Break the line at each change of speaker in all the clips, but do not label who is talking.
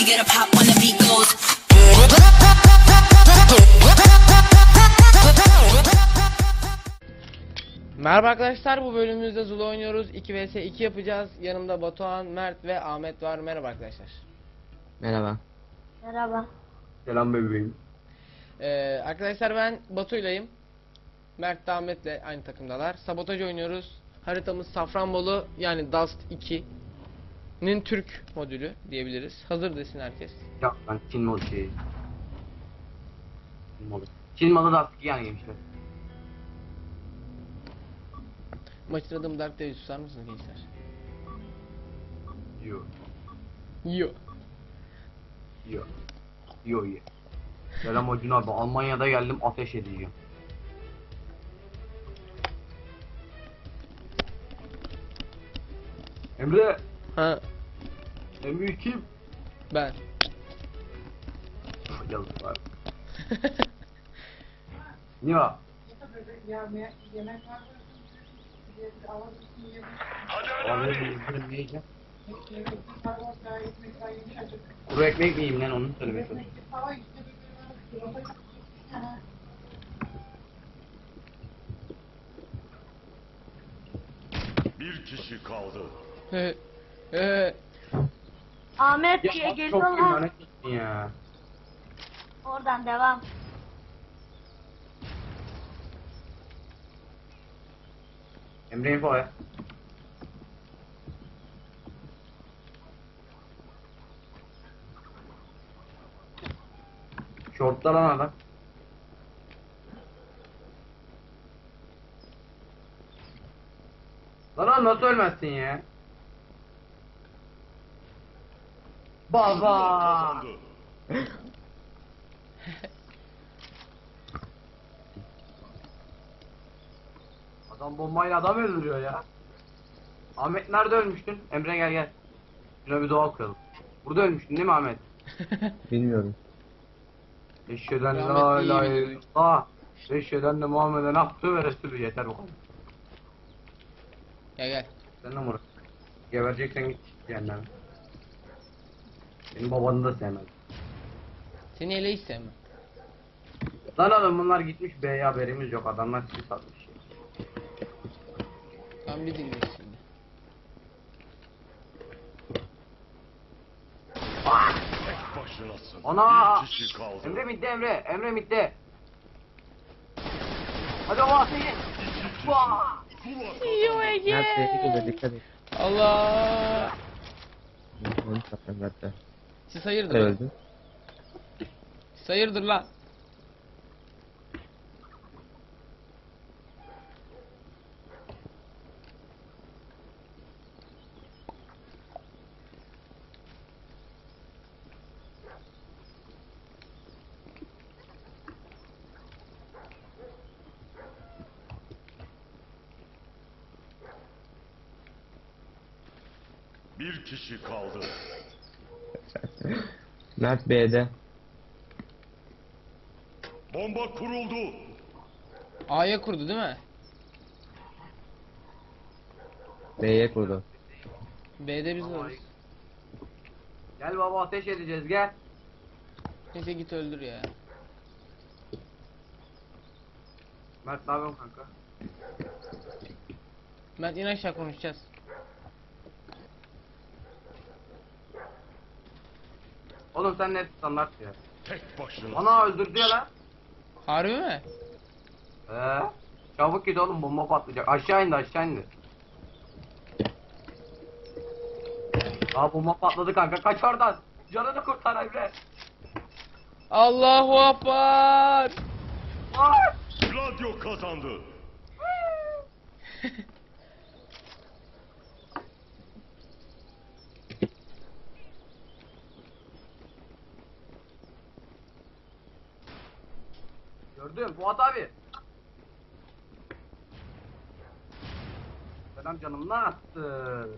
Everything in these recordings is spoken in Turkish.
you get a pop when the beat goes.
Merhaba arkadaşlar, bu bölümümüzde Zula oynuyoruz. 2 vs 2 yapacağız. Yanımda Batuhan, Mert ve Ahmet var. Merhaba arkadaşlar.
Merhaba.
Merhaba.
Selam bebeğim.
Arkadaşlar ben Batu'ylayım. Mert de Ahmet'le aynı takımdalar. Sabotaj oynuyoruz. Haritamız Safranbolu, yani Dust 2'nin Türk modülü diyebiliriz. Hazır desin herkes.
Ya ben Çin malı şey. Çin malı. Çin malı da askı yani gençler.
Maçın adımı Dark Devil, susar mısınız gençler?
Yo.
Yo.
Yo. Yo ye. Selam Acun abi. Almanya'da geldim, ateş edeceğim. Emre.
Ha,
Emre kim?
ben.
Yazık var. Ya. Abi ne yiyeceğim? Kuru ekmek mi yiyeyim lan, onu söylemeye çalışıyorum.
Bir kişi kaldı.
Ahmet diye
Ya çok
geliyorlar.
imanet ettin ya.
Oradan devam.
Emre info ya. Şortlar lan adam. Lan nasıl ölmezsin ya? Baba.
Kazandı.
Adam bombayla adam öldürüyor ya. Ahmet nerede ölmüştün? Emre gel gel. Şuna bir dua okuyalım. Burada ölmüştün değil mi Ahmet?
Bilmiyorum.
Eşheden
Rahmet
la
iyi
ilahe
biliyor.
illallah. Eşheden de Muhammed'e abdü ve resulü. Yeter bu kadar.
Gel gel.
Sen de Murat. Gebereceksen git cehennem. Benim babanı da sevmez.
Seni ele hiç sevmem.
Lan oğlum bunlar gitmiş B'ye, haberimiz yok. Adamlar sizi satmış.
Ben bir dinleyin şimdi.
Tek başınasın.
Ana!
Bir kişi kaldı.
Emre midde Emre. Emre midde. Hadi o seni. Vaa!
Zula
Mert sesi geliyor, dikkat et.
Allah!
Onu satacağım Mert'e.
Siz hayırdır lan?
Öldü.
Siz hayırdır lan?
bir kişi kaldı.
Mert B'de.
Bomba kuruldu.
A'ya kurdu değil mi?
B'ye kurdu.
B'de biz varız.
Gel baba, ateş edeceğiz gel.
Neyse git öldür ya.
Mert ne yapıyorsun kanka?
Mert in aşağı, konuşacağız.
Oğlum sen ne standart ya?
Tek başınasın.
Ana öldürdü ya lan.
Harbi mi?
Çabuk git oğlum, bomba patlayacak. Aşağı indi, aşağı indi. Aa bomba patladı kanka, kaç oradan. Canını kurtar Emre.
Allahu Akbar!
Ay!
Radyo kazandı.
Gördüm Fuat abi. Selam canım, ne yaptın?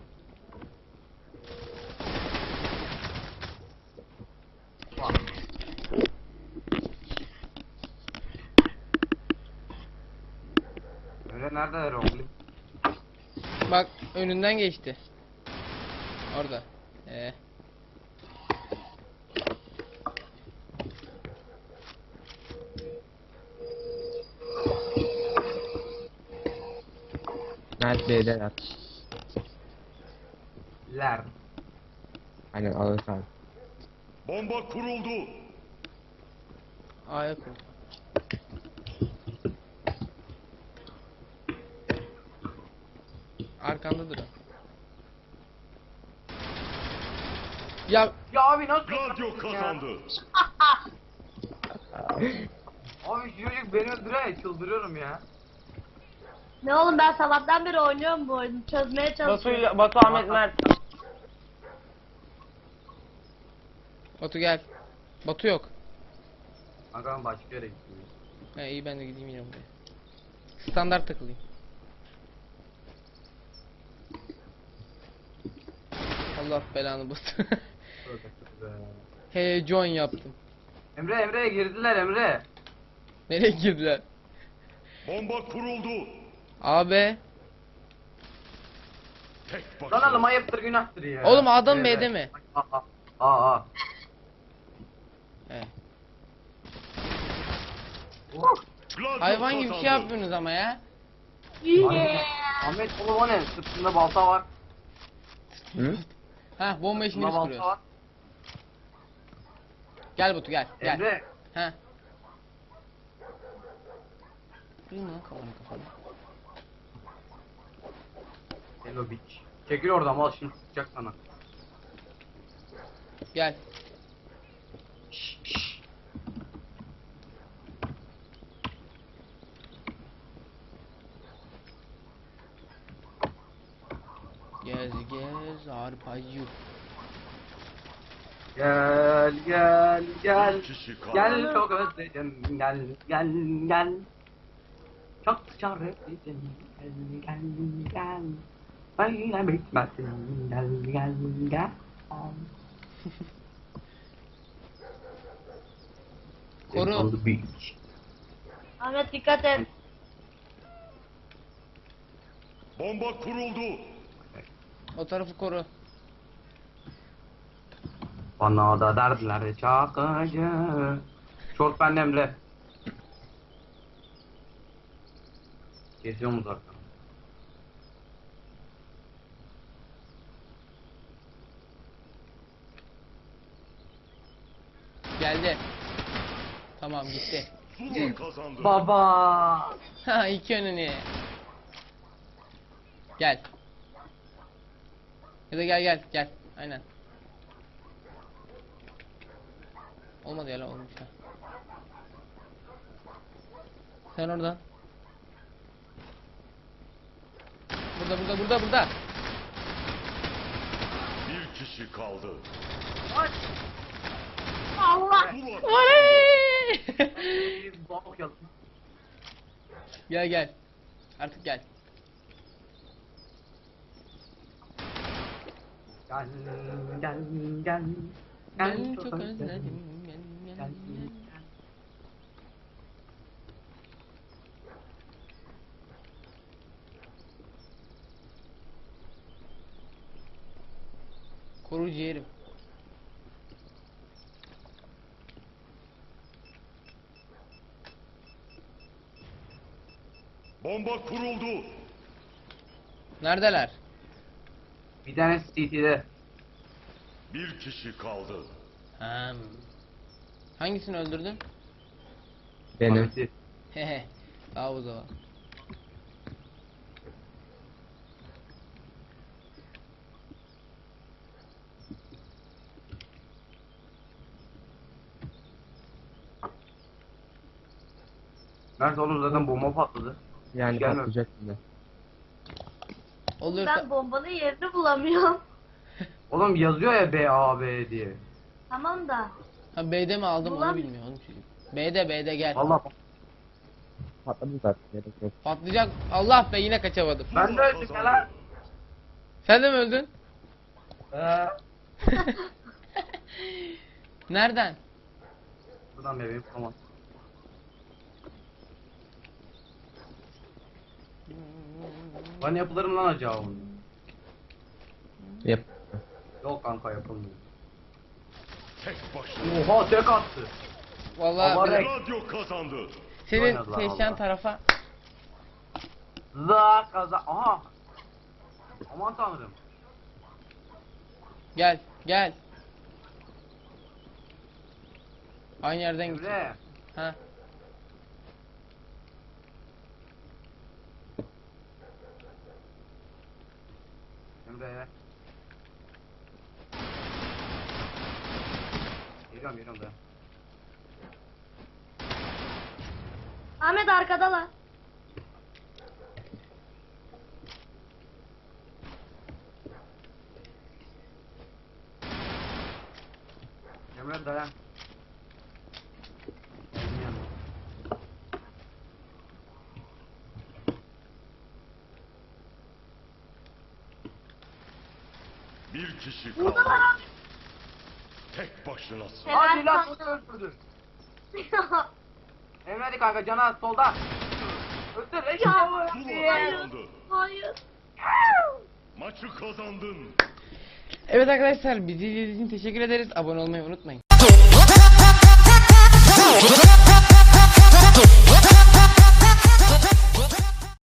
Bak. Öyle neredeler oğlum?
Bak önünden geçti. Orada.
Mert B'deler.
Ler.
Aynen alırsan.
Bomba kuruldu.
A'ya kur. Arkandadır o. Ya
Ya abi nasıl?
Gladio kazandı.
Abi şu çocuk beni öldürüyor, çıldırıyorum ya.
Ne oğlum, ben sabahtan beri oynuyorum bu oyunu. Çözmeye çalışıyorum.
Batu Ahmet Mert. Batu gel. Batu yok.
Kanka ben başka yere gittim.
He iyi, ben de gideyim yine buraya. Standart takılayım. Allah belanı bastı. Heyecan yaptım.
Emre girdiler Emre.
Nereye girdiler?
Bomba kuruldu.
Abi.
Tek
Lan
başına.
oğlum ayıptır günahtır ya.
Oğlum adam
Evet.
B'de mi?
Aa.
He.
Gladio
Hayvan gibi bir şey
kazandı.
yapıyorsunuz ama ya.
Yeah.
Ahmet oğlum o ne? Sırtında balta var.
Hı?
Ha, bomba işini
Sırtında
biz
balta
kuruyoruz.
var.
Gel Batu gel. Gel.
Emre.
Ha. Kırayım lan kafanı.
Hello bitch. Çekil oradan mal şimdi sıkacak sana.
Gel. Gez gez arpacı.
Gel.
Bir kişi kaldı.
Gel çok özledim. Gel. Çok özledim. Gel. Böyle bitmesin. Gel.
Koru.
On the beach.
Ahmet dikkat et.
Bomba kuruldu.
O tarafı koru.
Bana da derdiler çakıcı. Şort bende Emre. Kesiyor mu zaten?
Geldi. Tamam gitti.
Zula kazandı.
Baba.
Ha, iki önünü. Gel. Ya da gel. Aynen. Olmadı ya lan, olmuş ha. Sen oradan. Burada.
Bir kişi kaldı.
Allah.
Zula
Oley!
Bir bak ya.
Gel. Artık gel.
Gel.
Ben çok özledim. Gel. Koru ciğerim.
Bomba kuruldu.
Neredeler?
Bir tane CT'de.
Bir kişi kaldı.
Hangisini öldürdün?
Benim.
Ahmet'i.
Hehe. Daha o zaman.
Mert oğlum zaten bomba patladı.
Yani
Gelme.
patlayacak şimdi.
Olursa
Ben bombanın yerini bulamıyorum.
Oğlum yazıyor ya B diye.
Tamam da.
ha, B'de mi aldım onu
Ulan.
bilmiyor oğlum çocuk. B'de gel.
Valla
Patladı zaten. Gerek yok.
Patlayacak. Allah be, yine kaçamadım.
ben de öldüm ya lan.
Sen de mi öldün?
Eee.
Nereden?
Buradan bebeğim tamam. Bana yapılır mı lan acaba bunu?
Yap.
Yok kanka yapılmıyor.
Tek başına.
Oha tek attı.
Vallahi
Ama
bir-
renk-
Gladio kazandı.
senin
Oynadılar
seçen
vallahi.
tarafa
Za kaza. Aha. Aman tanrım.
Gel gel. Aynı yerden git.
Emre.
Ha.
Emre. Geliyorum da.
Ahmet arkadalar.
Emre dayan. Benim yanımda.
Bir kişi kaldı. Tek başınasın.
Hadi lan
Sever
bunu öldürdü. Emre hadi kanka cana solda. Öldür.
Zula
Hayır.
kazandı.
Hayır.
Maçı kazandın.
Evet arkadaşlar bizi izlediğiniz için teşekkür ederiz. Abone olmayı unutmayın.